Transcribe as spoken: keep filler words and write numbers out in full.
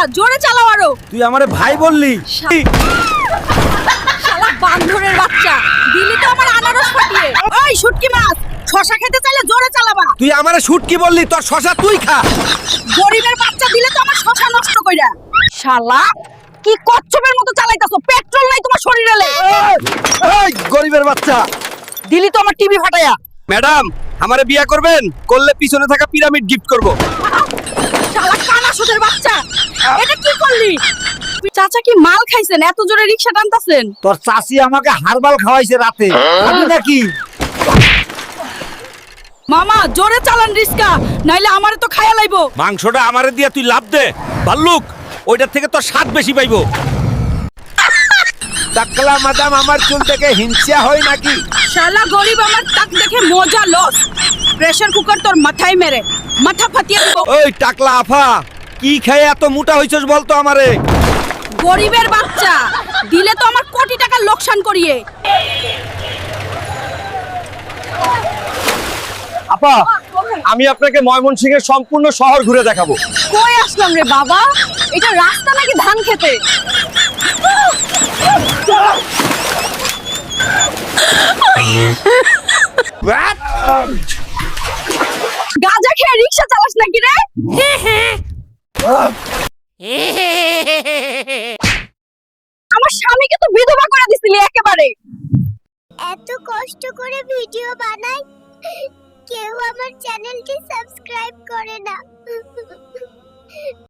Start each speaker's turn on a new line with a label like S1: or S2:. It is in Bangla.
S1: জোরে চালাও আরো।
S2: তুই আমারে ভাই বললি?
S1: শালা বান্দরের বাচ্চা, দিলি তো আমার আনারস ফাটিয়ে। ওই শুটকি মাছ, শশা খেতে চাইলে জোরে চালাবা।
S2: তুই আমারে শুটকি বললি, তোর শশা তুই খা।
S1: গরিবের বাচ্চা দিলে তো আমার শশা নষ্ট কইরা। শালা কি কচ্ছপের মতো চালাইতাছো, পেট্রোল নাই তোমার শরীরে।
S2: এই গরিবের বাচ্চা,
S1: দিলি তো আমার টিভি ফাটায়া।
S2: ম্যাডাম আমারে বিয়া করবেন? করলে পিছনে থাকা পিরামিড গিফট করব।
S1: শালা কানা সুদের বাচ্চা, এটা কি করলি? চাচা কি মাল খাইছেন, এত জোরে রিকশা টানতাছেন?
S2: তোর চাচি আমাকে হারবাল খাওয়াইছে রাতে, খাবি নাকি?
S1: মামা জোরে চালান রিস্কা, নাইলে আমারে তো খায়া লাইবো।
S2: মাংসটা আমারে দিয়া তুই লাভ দে ভাল্লুক, ওইটার থেকে তোর স্বাদ বেশি পাইবো। টাকলা মাদাম আমার চুল থেকে হিংসা হয় নাকি?
S1: শালা গরিব আমার টাক দেখে মজা লস। প্রেসার কুকার তোর মাথায় মেরে মাথা ফাটিয়ে দেব।
S2: ওই টাকলা আফা, কি খেয়ে এত মোটা হইছস বলতো আমারে?
S1: গরিবের বাচ্চা, দিলে তো আমার কোটি টাকা লোকসান করিয়ে।
S2: আপা, আমি আপনাকে ময়মনসিংহের সম্পূর্ণ শহর ঘুরে দেখাবো।
S1: কই আসলাম রে বাবা, এটা রাস্তা নাকি ধান খেতে? গাঁজা খেয়ে রিকশা চালাস নাকি রে? আমার স্বামীকে তো বিধবা করে দিছিলি একেবারে।
S3: এত কষ্ট করে ভিডিও বানাই, কেউ আমার চ্যানেলটি সাবস্ক্রাইব করে না।